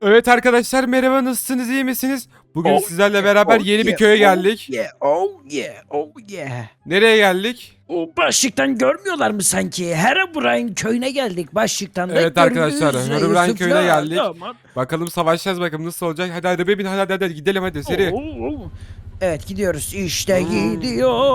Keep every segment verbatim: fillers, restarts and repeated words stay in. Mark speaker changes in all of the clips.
Speaker 1: Evet arkadaşlar, merhaba, nasılsınız, iyi misiniz? Bugün
Speaker 2: Oh
Speaker 1: sizlerle
Speaker 2: yeah,
Speaker 1: beraber
Speaker 2: oh
Speaker 1: yeni bir
Speaker 2: yeah,
Speaker 1: köye
Speaker 2: oh
Speaker 1: geldik.
Speaker 2: yeah, oh yeah, oh yeah.
Speaker 1: Nereye geldik?
Speaker 2: O başlıktan görmüyorlar mı sanki? Herobrine köyüne geldik. Başlıktan da
Speaker 1: Evet
Speaker 2: göründüğü
Speaker 1: arkadaşlar,
Speaker 2: üzere
Speaker 1: Herobrine köyüne
Speaker 2: Yusuf'la
Speaker 1: geldik.
Speaker 2: damat.
Speaker 1: Bakalım savaşacağız, bakalım nasıl olacak. Hadi arabaya bin, hadi hadi, hadi gidelim, hadi seri.
Speaker 2: Oo, oo. Evet gidiyoruz. İşte
Speaker 1: Hmm.
Speaker 2: gidiyor.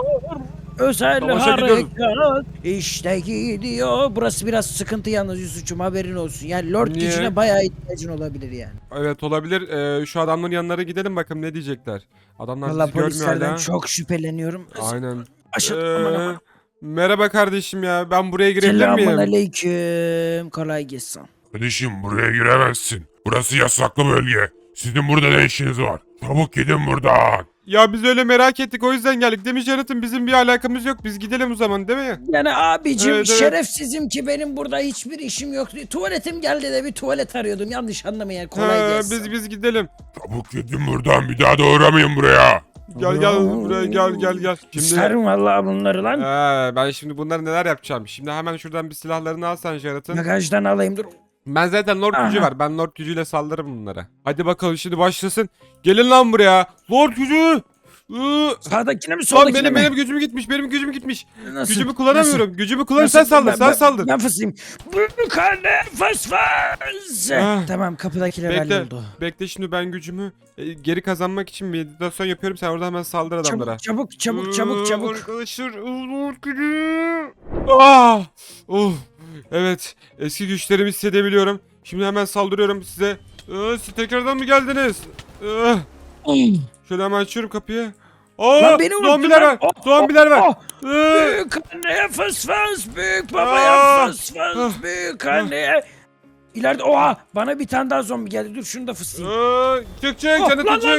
Speaker 2: Özel
Speaker 1: Savaşa gidiyoruz.
Speaker 2: harekat. İşte gidiyor. Burası biraz sıkıntı yalnız Yusuf'cum, haberin olsun. Yani Lord
Speaker 1: Niye?
Speaker 2: gücüne bayağı ihtiyacın olabilir yani.
Speaker 1: Evet olabilir. Ee, şu adamların yanlarına gidelim bakalım ne diyecekler. Adamlar
Speaker 2: Valla
Speaker 1: bizi görmüyor
Speaker 2: polislerden
Speaker 1: hala.
Speaker 2: çok şüpheleniyorum.
Speaker 1: Aynen.
Speaker 2: Aşağı, aman aman.
Speaker 1: Ee, merhaba kardeşim ya, ben buraya girebilir
Speaker 2: Selamun
Speaker 1: miyim?
Speaker 2: aleyküm. Kolay gelsin.
Speaker 3: Kardeşim buraya giremezsin. Burası yasaklı bölge. Sizin burada ne işiniz var? Çabuk gidin buradan.
Speaker 1: Ya biz öyle merak ettik, o yüzden geldik. Değil mi Jonathan? Bizim bir alakamız yok. Biz gidelim o zaman, değil mi?
Speaker 2: Yani abicim
Speaker 1: Evet, evet.
Speaker 2: şerefsizim ki benim burada hiçbir işim yok. Tuvaletim geldi de bir tuvalet arıyordum. Yanlış anlamayın. Kolay
Speaker 1: Ha,
Speaker 2: gelsin.
Speaker 1: biz biz gidelim.
Speaker 3: Çabuk gidin buradan. Bir daha da uğramayın buraya.
Speaker 1: Gel gel buraya, gel gel gel. Şimdi
Speaker 2: İsterim vallahi bunları lan.
Speaker 1: Ee, ben şimdi bunları neler yapacağım? Şimdi hemen şuradan bir silahlarını alsan Jonathan.
Speaker 2: Bagajdan alayım dur.
Speaker 1: Ben zaten Lord gücü
Speaker 2: Aha.
Speaker 1: var. Ben Lord gücüyle saldırırım bunlara. Hadi bakalım şimdi başlasın. Gelin lan buraya. Lord gücü. Iı,
Speaker 2: Sağdakine mi
Speaker 1: Lan
Speaker 2: soldakine
Speaker 1: benim
Speaker 2: mi?
Speaker 1: benim gücüm gitmiş. Benim gücüm gitmiş.
Speaker 2: Nasıl?
Speaker 1: Gücümü kullanamıyorum. Gücümü kullan,
Speaker 2: Nasıl?
Speaker 1: sen saldır.
Speaker 2: Ben-
Speaker 1: Sen
Speaker 2: ben-
Speaker 1: saldır.
Speaker 2: Ben fısayım. Bu karne fıs fıs.
Speaker 1: Ah.
Speaker 2: Tamam kapıdakiler
Speaker 1: Bekle.
Speaker 2: halloldu.
Speaker 1: Bekle şimdi ben gücümü e, geri kazanmak için meditasyon yapıyorum. Sen orada hemen saldır adamlara.
Speaker 2: Çabuk çabuk çabuk
Speaker 1: Iı,
Speaker 2: çabuk.
Speaker 1: Arkadaşlar. Lord gücü. Ah. Oh. Evet. Eski güçlerimi hissedebiliyorum. Şimdi hemen saldırıyorum size. Iı, siz tekrardan mı geldiniz? Iı. Şöyle hemen açıyorum kapıyı. Aa,
Speaker 2: Lan beni unuttun
Speaker 1: zombiler
Speaker 2: lan.
Speaker 1: var.
Speaker 2: Oh,
Speaker 1: Zombiler
Speaker 2: oh,
Speaker 1: var.
Speaker 2: oh.
Speaker 1: Iı.
Speaker 2: Büyük anneye fıs fıs. Büyük
Speaker 1: Aa.
Speaker 2: babaya fıs
Speaker 1: Ah.
Speaker 2: fıs. Büyük anneye. İleride oha bana bir tane daha zombi geldi. Dur şunu da fıslayayım.
Speaker 1: Iı, Çık çık
Speaker 2: Oh,
Speaker 1: canım
Speaker 2: lan,
Speaker 1: çık.
Speaker 2: lan.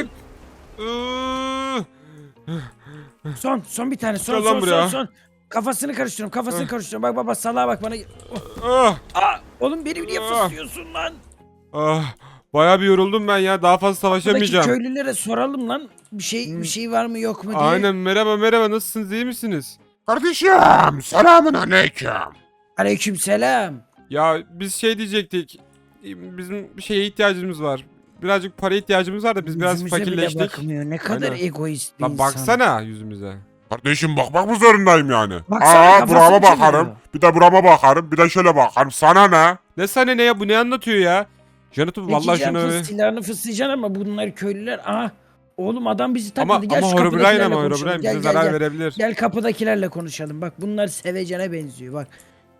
Speaker 1: Iı.
Speaker 2: Son son bir tane son
Speaker 1: Gel lan
Speaker 2: son son
Speaker 1: buraya.
Speaker 2: son. Kafasını karıştırıyorum kafasını
Speaker 1: Ah.
Speaker 2: karıştırıyorum. Bak baba salağa bak bana.
Speaker 1: Ah.
Speaker 2: Aa, oğlum beni niye
Speaker 1: Ah.
Speaker 2: fıslıyorsun lan?
Speaker 1: Ah. Bayağı bir yoruldum ben ya. Daha fazla
Speaker 2: Buradaki
Speaker 1: savaşamayacağım.
Speaker 2: köylülere soralım lan. Bir şey
Speaker 1: Hmm.
Speaker 2: bir şey var mı yok mu diye.
Speaker 1: Aynen, merhaba merhaba, nasılsınız, iyi misiniz?
Speaker 3: Kardeşim selamun aleyküm.
Speaker 2: Aleykümselam.
Speaker 1: Ya biz şey diyecektik. Bizim bir şeye ihtiyacımız var. Birazcık para ihtiyacımız var da biz biraz
Speaker 2: Yüzümüze bile
Speaker 1: fakirleştik.
Speaker 2: bakmıyor. Ne kadar
Speaker 1: Aynen.
Speaker 2: egoist bir
Speaker 1: Lan
Speaker 2: insan.
Speaker 1: baksana yüzümüze.
Speaker 3: Kardeşim bakmak mı zorundayım yani?
Speaker 2: Baksana,
Speaker 3: Aa
Speaker 2: kafasını
Speaker 3: burama
Speaker 2: çeviriyor.
Speaker 3: bakarım. Bir de burama bakarım. Bir de şöyle bakarım. Sana ne?
Speaker 1: Ne sana ne ya, bu ne anlatıyor ya? Jonathan
Speaker 2: Peki
Speaker 1: vallahi
Speaker 2: can
Speaker 1: şunu
Speaker 2: fıs
Speaker 1: bir...
Speaker 2: silahını fıslayacaksın ama bunlar köylüler. Aha. Oğlum adam bizi
Speaker 1: Ama
Speaker 2: takladı. Gel
Speaker 1: ama
Speaker 2: şu
Speaker 1: Herobrine
Speaker 2: kapıdakilerle
Speaker 1: ama
Speaker 2: konuşalım.
Speaker 1: Herobrine
Speaker 2: Gel,
Speaker 1: bize
Speaker 2: gel,
Speaker 1: zarar
Speaker 2: gel.
Speaker 1: verebilir.
Speaker 2: Gel kapıdakilerle konuşalım. Bak bunlar sevecene benziyor bak.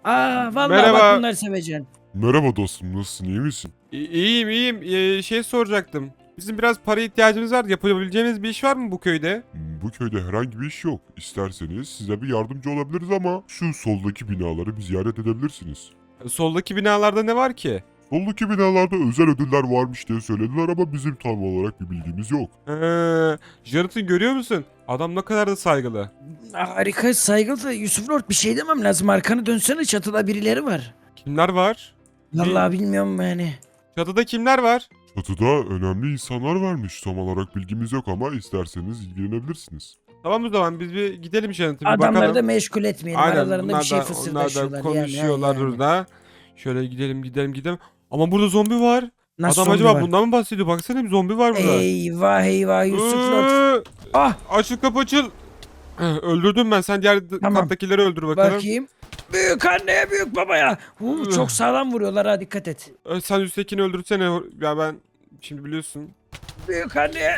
Speaker 2: Aa vallahi
Speaker 1: Merhaba.
Speaker 2: bak bunlar sevecen.
Speaker 3: Merhaba dostum, nasılsın, iyi misin?
Speaker 1: İ- İyiyim iyiyim. Ee, şey soracaktım. Bizim biraz para ihtiyacımız var. Yapabileceğimiz bir iş var mı bu köyde?
Speaker 3: Bu köyde herhangi bir iş yok. İsterseniz size bir yardımcı olabiliriz ama şu soldaki binaları bir ziyaret edebilirsiniz.
Speaker 1: Soldaki binalarda ne var ki?
Speaker 3: Soldaki binalarda özel ödüller varmış diye söylediler ama bizim tam olarak bir bilgimiz yok.
Speaker 1: Ee, Jonathan görüyor musun? Adam ne kadar da saygılı.
Speaker 2: Harika saygılı Yusuf Lord bir şey demem lazım. Arkanı dönsene çatıda birileri var.
Speaker 1: Kimler var?
Speaker 2: Vallahi bilmiyorum yani.
Speaker 1: Çatıda kimler var?
Speaker 3: Çatıda önemli insanlar varmış. Tam olarak bilgimiz yok ama isterseniz ilgilenebilirsiniz.
Speaker 1: Tamam o zaman biz bir gidelim Jonathan, bir
Speaker 2: Adamları
Speaker 1: bakalım.
Speaker 2: da meşgul etmeyelim.
Speaker 1: Aynen,
Speaker 2: Aralarında
Speaker 1: bunlar
Speaker 2: bir şey
Speaker 1: da, onlar
Speaker 2: fısıldaşıyorlar.
Speaker 1: da konuşuyorlar
Speaker 2: yani, yani.
Speaker 1: burada. Şöyle gidelim gidelim gidelim. Ama burada zombi var.
Speaker 2: Nasıl
Speaker 1: Adam
Speaker 2: zombi
Speaker 1: acaba
Speaker 2: var?
Speaker 1: bundan mı bahsediyor? Baksana bir zombi var burada.
Speaker 2: Eyvah eyvah Yusuf Lord.
Speaker 1: Iıı,
Speaker 2: Ah
Speaker 1: Açıl kapı açıl. Eh, Öldürdüm ben. Sen diğer
Speaker 2: Tamam.
Speaker 1: kattakileri öldür bakalım.
Speaker 2: bakayım. Büyük anneye büyük babaya. Huu, çok sağlam vuruyorlar ha dikkat et.
Speaker 1: Eh, Sen üsttekini öldürsene. Ya ben şimdi biliyorsun.
Speaker 2: Büyük anneye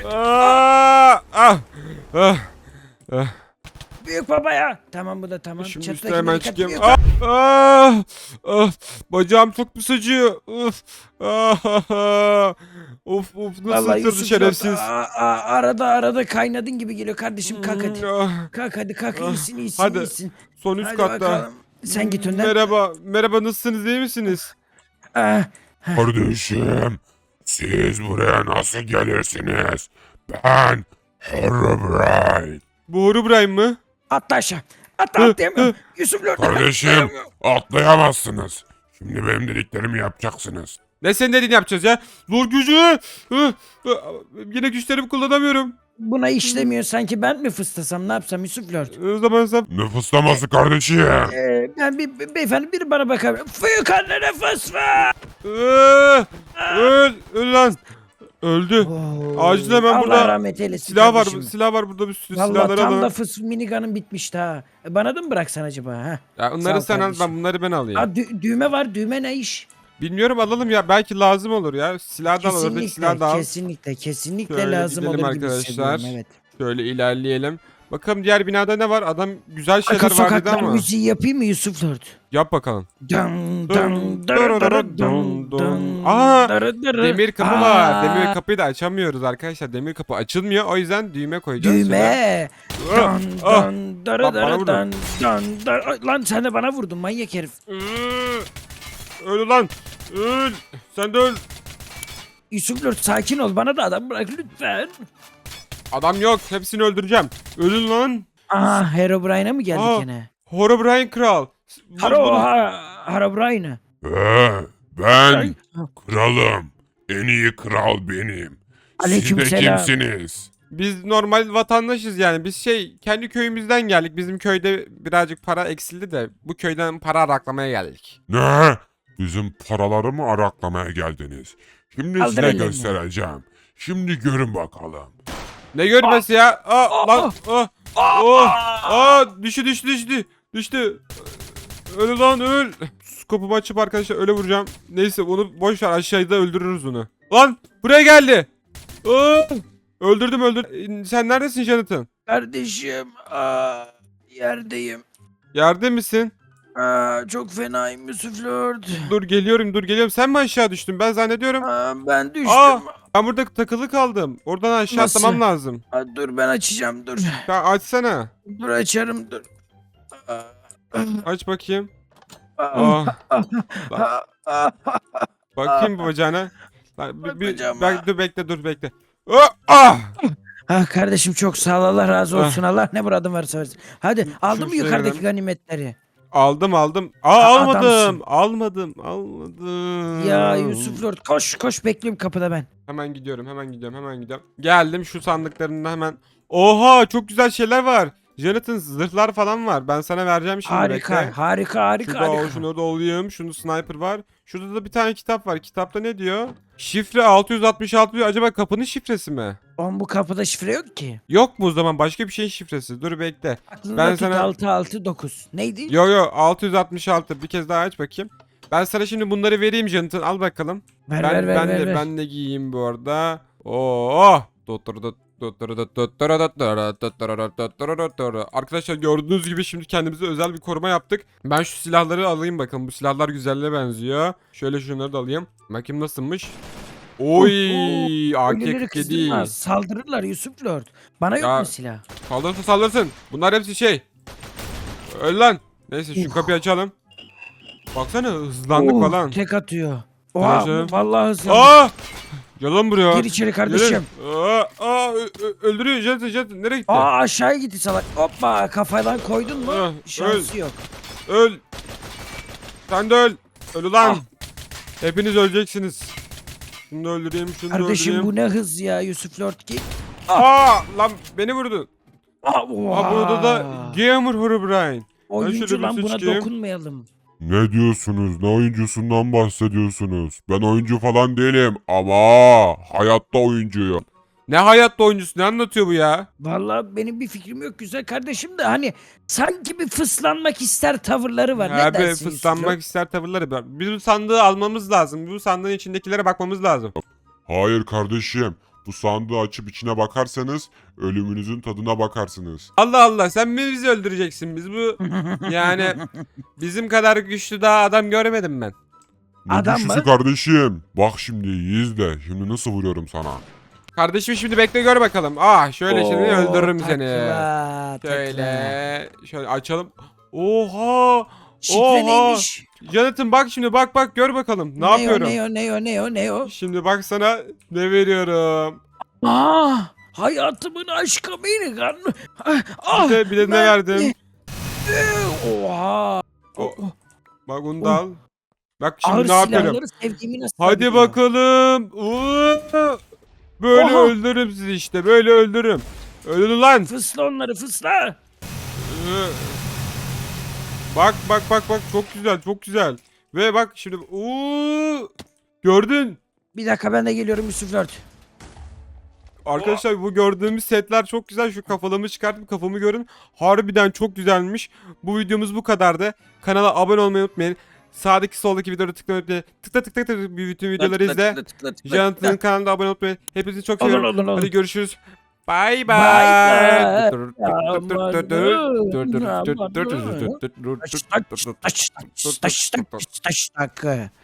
Speaker 1: Aa, ah, ah, ah.
Speaker 2: büyük babaya. Tamam bu da tamam.
Speaker 1: Şimdi
Speaker 2: Çatıdakine
Speaker 1: üstüne hemen
Speaker 2: dikkat,
Speaker 1: çıkayım.
Speaker 2: büyük
Speaker 1: Ah, ah, ah. Bacağım çok pis acıyor. Uf. Ah, ah, ah. Of of, nasıl
Speaker 2: Vallahi
Speaker 1: ısırdı
Speaker 2: Yusuf
Speaker 1: şerefsiz.
Speaker 2: Lord, aa, aa, arada arada kaynadın gibi geliyor kardeşim kalk hadi.
Speaker 1: Ah,
Speaker 2: Kalk hadi kalk
Speaker 1: Ah,
Speaker 2: iyisin iyisin
Speaker 1: hadi.
Speaker 2: iyisin.
Speaker 1: Son üst
Speaker 2: Hadi
Speaker 1: katta.
Speaker 2: bakalım. Sen git önden.
Speaker 1: Merhaba, merhaba, nasılsınız, iyi misiniz?
Speaker 2: Ah,
Speaker 3: Kardeşim, siz buraya nasıl gelirsiniz? Ben Herobrine.
Speaker 1: Bu Herobrine mı?
Speaker 2: atla aşağı. Atla
Speaker 1: Hı,
Speaker 2: atlayamıyorum.
Speaker 1: hı.
Speaker 2: Yusuf Lord.
Speaker 3: Kardeşim,
Speaker 2: atlayamıyorum.
Speaker 3: atlayamazsınız. Şimdi benim dediklerimi yapacaksınız.
Speaker 1: Ne senin dediğini yapacağız ya? Zor gücü. Hı, hı. Yine güçlerimi kullanamıyorum.
Speaker 2: buna işlemiyor sanki ben mi fıstasam ne yapsam Yusuf Lord?
Speaker 1: O zaman sen...
Speaker 3: Ne fıslaması kardeşim?
Speaker 2: Ee, ben bir be- beyefendi biri bana bakar. Fıyık annene fıs var.
Speaker 1: Iıı, öl, öl lan. Öldü.
Speaker 2: Oo,
Speaker 1: Acil hemen
Speaker 2: Allah
Speaker 1: burada
Speaker 2: rahmet eylesin
Speaker 1: Silah var,
Speaker 2: kardeşim.
Speaker 1: silah var burada bir sürü
Speaker 2: Vallahi
Speaker 1: silahları
Speaker 2: tam
Speaker 1: alalım.
Speaker 2: da fıs minigun'ın bitmişti ha. E, bana da mı bıraksan acaba ha?
Speaker 1: Ya
Speaker 2: Sağ
Speaker 1: onları
Speaker 2: ol
Speaker 1: sen al,
Speaker 2: kardeşim.
Speaker 1: ben bunları ben alayım.
Speaker 2: Ha dü- düğme var düğme ne iş?
Speaker 1: Bilmiyorum alalım ya belki lazım olur ya. Silah da al, oradaki silah
Speaker 2: Kesinlikle
Speaker 1: da al.
Speaker 2: kesinlikle kesinlikle
Speaker 1: Şöyle
Speaker 2: lazım
Speaker 1: gidelim
Speaker 2: olur gibi
Speaker 1: arkadaşlar.
Speaker 2: hissediyorum evet.
Speaker 1: Şöyle ilerleyelim. Bakalım diğer binada ne var? Adam güzel şeyler
Speaker 2: Arka
Speaker 1: var dedi
Speaker 2: sokaklar
Speaker 1: ama.
Speaker 2: müziği yapayım mı Yusuf Lord?
Speaker 1: Yap bakalım.
Speaker 2: Dın
Speaker 1: Dın,
Speaker 2: dın
Speaker 1: dırırırı,
Speaker 2: dırırırı
Speaker 1: dın,
Speaker 2: dın
Speaker 1: dın.
Speaker 2: dın
Speaker 1: Aa,
Speaker 2: dırı dırı.
Speaker 1: Demir kapı
Speaker 2: Aa,
Speaker 1: var. Demir kapıyı da açamıyoruz arkadaşlar. Demir kapı açılmıyor. O yüzden düğme koyacağız.
Speaker 2: Düğme.
Speaker 1: şöyle.
Speaker 2: Dın
Speaker 1: Ah,
Speaker 2: dın dırı
Speaker 1: Lan bana
Speaker 2: dırı
Speaker 1: vurdun.
Speaker 2: dın dın dırı. Ay, lan sen de bana vurdun manyak herif.
Speaker 1: Iıı, Öl lan. Öl. Sen de öl.
Speaker 2: Yusuf Lord sakin ol bana da adam bırak lütfen.
Speaker 1: Adam yok. Hepsini öldüreceğim. Ölün lan.
Speaker 2: Aa Herobrine'a mı geldik
Speaker 1: Aa,
Speaker 2: yine?
Speaker 1: Herobrine Kral. Bu-
Speaker 2: Haro
Speaker 1: bunu-
Speaker 2: ha, Herobrine'a.
Speaker 3: Ee, ben kralım. En iyi kral benim. Siz de
Speaker 2: Aleykümselam.
Speaker 3: kimsiniz?
Speaker 1: Biz normal vatandaşız yani. Biz şey kendi köyümüzden geldik. Bizim köyde birazcık para eksildi de bu köyden para araklamaya geldik.
Speaker 3: Ne? Bizim paraları mı araklamaya geldiniz? Şimdi
Speaker 2: Kaldır
Speaker 3: size
Speaker 2: ellerini.
Speaker 3: göstereceğim. Şimdi görün bakalım.
Speaker 1: Ne görmesi ya? Aa, lan. Ah, oh, aa, düştü düştü düştü. Düştü. Öl lan öl. Skopumu açıp arkadaşlar öyle vuracağım. Neyse onu boş ver aşağıda öldürürüz onu. Lan buraya geldi. Aa, öldürdüm öldürdüm. Sen neredesin Jonathan?
Speaker 2: Kardeşim aa, yerdeyim.
Speaker 1: Yerde misin?
Speaker 2: Aa, çok fenayım Yusuf Lord.
Speaker 1: Dur geliyorum dur geliyorum. Sen mi aşağı düştün? Ben zannediyorum.
Speaker 2: Aa, ben düştüm.
Speaker 1: Aa, ben burada takılı kaldım. Oradan aşağı
Speaker 2: Nasıl?
Speaker 1: atlamam lazım.
Speaker 2: Aa, dur ben açacağım dur.
Speaker 1: Ya açsana.
Speaker 2: Dur açarım dur. Aa,
Speaker 1: Aç bakayım.
Speaker 2: aa,
Speaker 1: Oh.
Speaker 2: aa, aa.
Speaker 1: Bakayım bu bacağına. Lan, bir, bir,
Speaker 2: Bacağıma.
Speaker 1: bek- dur bekle dur bekle. Ah! Ah!
Speaker 2: Ah kardeşim çok sağ ol Allah razı olsun Allah ne muradın varsa versin. Hadi aldın mı
Speaker 1: şuraya
Speaker 2: yukarıdaki
Speaker 1: girelim.
Speaker 2: ganimetleri?
Speaker 1: Aldım aldım. Aa
Speaker 2: Aa,
Speaker 1: almadım.
Speaker 2: adamsın.
Speaker 1: Almadım. Almadım.
Speaker 2: Ya Yusuf Lord koş koş bekliyorum kapıda ben.
Speaker 1: Hemen gidiyorum hemen gidiyorum hemen gidiyorum. Geldim şu sandıklarında hemen. Oha çok güzel şeyler var. Jonathan zırhlar falan var. Ben sana vereceğim şimdi
Speaker 2: Harika
Speaker 1: bekle.
Speaker 2: harika harika
Speaker 1: Şurada
Speaker 2: harika.
Speaker 1: o, şunu da alayım. Şunu sniper var. Şurada da bir tane kitap var. Kitapta ne diyor? Şifre altı yüz altmış altı diyor. Acaba kapının şifresi mi?
Speaker 2: Oğlum bu kapıda şifre yok ki.
Speaker 1: Yok mu o zaman? Başka bir şeyin şifresi. Dur bekle.
Speaker 2: Aklında
Speaker 1: Ben
Speaker 2: tut
Speaker 1: sana-
Speaker 2: altı altı dokuz. Neydi?
Speaker 1: Yo yo altı yüz altmış altı. Bir kez daha aç bakayım. Ben sana şimdi bunları vereyim Jonathan. Al bakalım.
Speaker 2: Ver
Speaker 1: ben
Speaker 2: ver ver
Speaker 1: ben
Speaker 2: ver.
Speaker 1: de
Speaker 2: ver.
Speaker 1: ben de giyeyim bu arada. Oo! Arkadaşlar gördüğünüz gibi şimdi kendimize özel bir koruma yaptık. Ben şu silahları alayım bakalım. Bu silahlar güzelle benziyor. Şöyle şunları da alayım. Bakayım nasılmış. Oy! A K
Speaker 2: Ölüleri
Speaker 1: kırk yedi.
Speaker 2: kızdırma. Saldırırlar Yusuf Lord. Bana yok
Speaker 1: Ya-
Speaker 2: mu silah?
Speaker 1: Saldırsın saldırsın. Bunlar hepsi şey. Öl lan. Neyse şu
Speaker 2: Uh.
Speaker 1: kapıyı açalım. Baksana hızlandık
Speaker 2: Oh,
Speaker 1: falan.
Speaker 2: Tek atıyor. Oha
Speaker 1: Arkadaşlar.
Speaker 2: vallahi hızlandı.
Speaker 1: Aa! Gel lan buraya.
Speaker 2: Gir içeri kardeşim.
Speaker 1: Gelin. Aa, aa, ö- ö- öldürüyor Jonathan Jonathan. Nereye gitti?
Speaker 2: Aa aşağıya gitti salak. Hoppa kafadan koydun mu?
Speaker 1: Ah,
Speaker 2: Şansı yok.
Speaker 1: Öl. Sen de öl. Öl ulan.
Speaker 2: Ah.
Speaker 1: Hepiniz öleceksiniz. Şunu da öldüreyim, şunu da
Speaker 2: Kardeşim
Speaker 1: öldüreyim.
Speaker 2: bu ne hız ya Yusuf Lord ki.
Speaker 1: Aa, lan beni vurdu.
Speaker 2: Aa,
Speaker 1: Aa, burada da Gamer Herobrine.
Speaker 2: oyuncu
Speaker 1: şöyle bir
Speaker 2: lan buna
Speaker 1: sıçayım.
Speaker 2: dokunmayalım.
Speaker 3: Ne diyorsunuz? Ne oyuncusundan bahsediyorsunuz? Ben oyuncu falan değilim ama hayatta oyuncuyum.
Speaker 1: Ne hayatta oyuncusu, ne anlatıyor bu ya?
Speaker 2: Vallahi benim bir fikrim yok güzel kardeşim de hani sanki bir fıslanmak ister tavırları var. Ne
Speaker 1: Abi
Speaker 2: dersin Yusuf Lord?
Speaker 1: fıslanmak ister tavırları var. Biz bu sandığı almamız lazım. Bu sandığın içindekilere bakmamız lazım.
Speaker 3: Hayır kardeşim. Bu sandığı açıp içine bakarsanız ölümünüzün tadına bakarsınız.
Speaker 1: Allah Allah, sen mi bizi öldüreceksin? Biz bu yani bizim kadar güçlü daha adam görmedim ben.
Speaker 3: Ne
Speaker 2: Adam
Speaker 3: güçlüsü
Speaker 2: mı?
Speaker 3: kardeşim? Bak şimdi iyi izle. Şimdi nasıl vuruyorum sana?
Speaker 1: Kardeşim şimdi bekle gör bakalım. Ah şöyle şimdi
Speaker 2: Oo,
Speaker 1: öldürürüm seni.
Speaker 2: takla, takla.
Speaker 1: Şöyle şöyle açalım. Oha!
Speaker 2: Şifre
Speaker 1: Oha!
Speaker 2: neymiş?
Speaker 1: Jonathan bak şimdi bak bak gör bakalım. Ne, yapıyorum?
Speaker 2: O, ne o ne o ne o ne o?
Speaker 1: Şimdi bak sana ne veriyorum.
Speaker 2: Aa, hayatımın aşkı minigun. Ah, ah,
Speaker 1: Bir de, bir de ne
Speaker 2: ben-
Speaker 1: verdim?
Speaker 2: Oha.
Speaker 1: O-
Speaker 2: Oh,
Speaker 1: Bak bunu da al. Bak
Speaker 2: Ağır
Speaker 1: şimdi ne yapıyorum?
Speaker 2: silahları sevdiğimi nasıl
Speaker 1: Hadi
Speaker 2: biliyor?
Speaker 1: bakalım. Oo! Böyle
Speaker 2: Oha.
Speaker 1: öldürürüm sizi işte. Böyle öldürürüm. Ölün lan.
Speaker 2: Fısla onları fısla.
Speaker 1: Ee, Bak bak bak bak çok güzel çok güzel. Ve bak şimdi uuu gördün.
Speaker 2: Bir dakika ben de geliyorum Yusuf Lord.
Speaker 1: Arkadaşlar bu gördüğümüz setler çok güzel. Şu kafalımı çıkarttım kafamı görün. Harbiden çok güzelmiş. Bu videomuz bu kadardı. Kanala abone olmayı unutmayın. Sağdaki soldaki videoları tıklamayı unutmayın. Tıkla tıkla tıkla bütün videoları
Speaker 2: Tıkla,
Speaker 1: izle.
Speaker 2: tıkla, tıkla, tıkla,
Speaker 1: Jonathan'ın
Speaker 2: tıkla.
Speaker 1: kanalına abone olmayı unutmayın. Hepinizi çok
Speaker 2: Olur,
Speaker 1: seviyorum.
Speaker 2: olur, olur.
Speaker 1: Hadi görüşürüz. Bay
Speaker 2: Bye
Speaker 1: bay.
Speaker 2: bye. Aman, aman. Taş tak taş tak taş tak taş tak.